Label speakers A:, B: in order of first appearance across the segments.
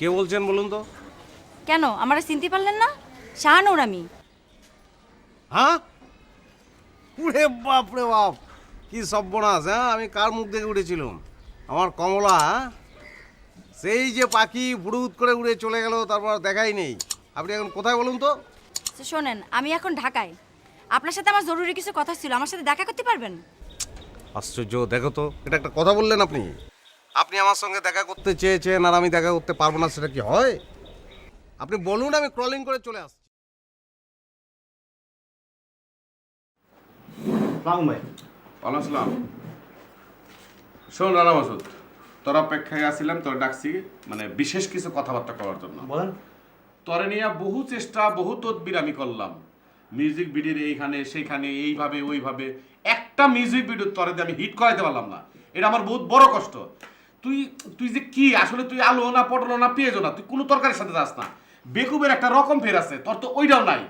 A: কে বলছেন বলুন তো?
B: কেন আমারে চিনতে পারলেন না? শাহানুর আমি।
A: হ্যাঁ? ওরে বাপ রে বাপ, কি সর্বনাশ! হ্যাঁ, আমি কার মুখ দেখে উঠেছিলাম? আমার কমলা, হ্যাঁ? সেই যে পাখি ফুড়ুত করে উড়ে চলে গেল, তারপর দেখাই নেই। আপনি এখন কোথায় বলুন তো?
B: শোনেন, আমি এখন ঢাকায়। আপনার সাথে আমার জরুরি কিছু কথা ছিল, আমার সাথে দেখা করতে পারবেন?
A: আশ্চর্য, দেখো তো, এটা একটা কথা বললেন আপনি? আপনি আমার সঙ্গে দেখা করতে চেয়েছেন আর আমি দেখা করতে পারবো না, সেটা কি হয়? আপনি বলুন, আমি ক্রলিং করে চলে আসছি।
C: সালাম ভাই।
D: ওয়ালাইকুম আসসালাম। শোন রানা মাসুদ, তোর অপেক্ষায় আসছিলাম, তোর ডাকছি মানে বিশেষ কিছু কথাবার্তা করার জন্য।
C: বলেন।
D: তোরে নিয়ে বহু চেষ্টা, বহু তদবির আমি করলাম। মিউজিক ভিডিওর এইখানে সেইখানে, এইভাবে ওইভাবে, একটা মিউজিক ভিডিও তোরে দিয়ে আমি হিট করাইতে পারলাম না। এটা আমার বহুত বড় কষ্ট। তুই তুই যে কি আসলে, তুই আলু না পটল না পেঁয়াজও না, তুই কোনো তরকারির সাথে যাস না। বেকুবের একটা রকম ফের আছে, তোর তো ওইটাও নাই।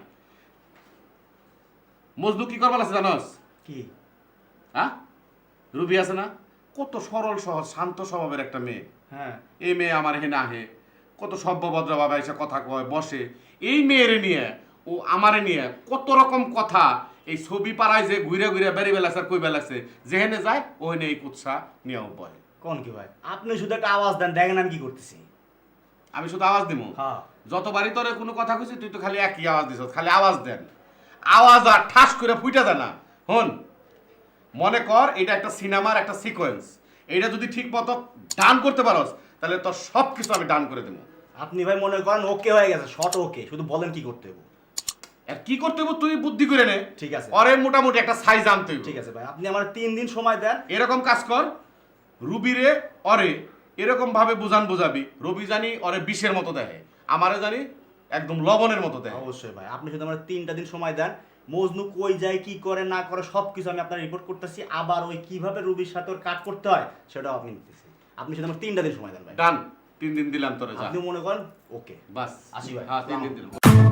D: মজদু কি করবার আছে জানোস?
C: কি?
D: হ্যাঁ, রুবি আছে না, কত সরল সহজ শান্ত স্বভাবের একটা মেয়ে।
C: হ্যাঁ।
D: এই মেয়ে আমার এখানে আহে, কত সভ্যভদ্র ভাবে এসে কথা কয়, বসে। এই মেয়েরে নিয়ে, ও আমারে নিয়ে কত রকম কথা, এই ছবি পাড়ায় যে ঘুরে ঘুরে বেড়ে বেলাছে আর কই বেলাছে, যেখানে যায় ওখানে এই কুৎসা নিয়েও বয়।
C: কোন কি ভাই? আপনি শুধু একটা আওয়াজ দেন, দেখেন আমি কি করতেছি।
D: আমি শুধু আওয়াজ দিব?
C: হ্যাঁ।
D: যতবারই তোরে কোনো কথা কইছি তুই তো খালি একই আওয়াজ দিছ, খালি আওয়াজ দেন। আওয়াজ আর ঠাস করে ফুইটা দেয় না। হন, মনে কর এটা একটা সিনেমার একটা সিকোয়েন্স। এইটা যদি ঠিক মতো ডান করতে পারোস, তাহলে তোর সব কিছু আমি ডান করে দেবো।
C: আপনি ভাই মনে করেন ওকে হয়ে গেছে, শর্ট ওকে, শুধু বলেন কি করতে হবে।
D: আর কি করতে হবে তুই বুদ্ধি করে নে।
C: ঠিক আছে।
D: অরে মোটামুটি একটা সাইজ আনতে হবে।
C: ঠিক আছে ভাই, আপনি আমার 3 দিন সময় দেন।
D: এরকম কাজ কর, রুবিরে অরে এরকম ভাবে বুঝাবি, রবি জানি অরে বিষের মতো দেখে, আমারে জানি একদম লবণের মতো দেখে।
C: অবশ্যই ভাই, আপনি শুধু আমার 3টা দিন সময় দেন। মজনু কই যায়, কি করে না করে সবকিছু আমি আপনার রিপোর্ট করতেছি। আবার ওই কিভাবে রুবির সাথে ওর কাট করতে হয় সেটাও আপনি নিতেছি। আপনি শুধু আমার 3টা দিন সময় দেন ভাই।
D: ডান, 3 দিন দিলাম তোরে, যা।
C: আপনি মনে করেন ওকে।
D: বাস
C: আসি ভাই।
D: হ্যাঁ, 3 দিন দিলাম।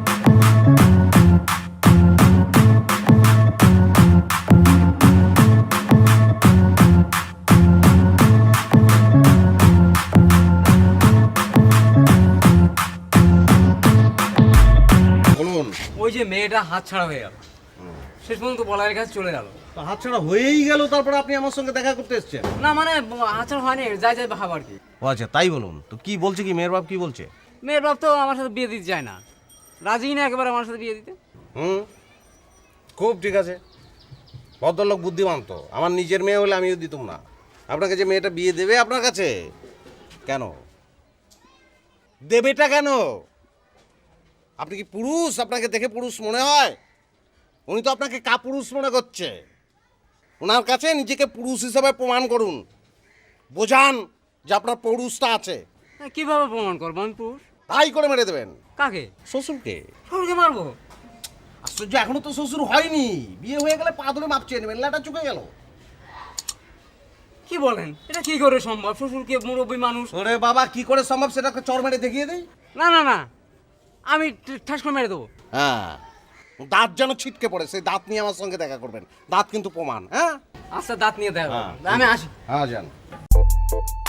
A: বলুন।
E: ওই যে মেয়েটা হাতছাড়া হয়ে গেল, শেষ পর্যন্ত বলাইয়ের কাছে চলে গেল।
A: হাতছাড়া হয়েই গেল, তারপরে আপনি আমার সঙ্গে দেখা করতে এসেছেন?
E: না মানে হাতছাড়া হয়নি, যাই যাই ভাব আর কি।
A: ও আচ্ছা, তাই বলুন তো। কি বলছে, কি মেয়ের বাপ কি বলছে?
E: মেয়ের বাপ তো আমার সাথে বিয়ে দিতে চায় না, রাজি না একেবারে আমার সাথে বিয়ে দিতে।
A: খুব ঠিক আছে, ভদ্রলোক বুদ্ধিমান তো। আমার নিজের মেয়ে হলে আমিও দিতাম না। আপনাকে যে মেয়েটা বিয়ে দেবে আপনার কাছে, কেন দেবেটা কেন? আপনি কি পুরুষ? আপনাকে দেখে পুরুষ মনে হয়? উনি তো আপনাকে কাপুরুষ মনে করছে। ওনার কাছে নিজেকে পুরুষ হিসেবে প্রমাণ করুন, বোঝান যে আপনার পুরুষটা আছে।
E: কিভাবে প্রমাণ করবো আমি পুরুষ?
A: তাই করে মেরে দেবেন।
E: কাকে?
A: শ্বশুরকে।
E: শ্বশুরকে মারবো?
A: আশ্চর্য, এখনো তো শ্বশুর হয়নি। বিয়ে হয়ে গেলে পা ধরে মাপ চেয়ে নেবেন, লেটা চুকে গেল।
E: কি বলেন, এটা কি করে সম্ভব? শ্বশুরকে, মুরব্বী মানুষ।
A: ওরে বাবা, কি করে সম্ভব সেটাকে চর মেরে দেখিয়ে দেয়।
E: না না না, আমি ঠাস করে মেরে দেবো।
A: হ্যাঁ, দাঁত যেন ছিটকে পড়ে, সেই দাঁত নিয়ে আমার সঙ্গে দেখা করবেন। দাঁত কিন্তু প্রমাণ। হ্যাঁ
E: আচ্ছা, দাঁত নিয়ে দেয়, আমি আসি।
A: হ্যাঁ, যান।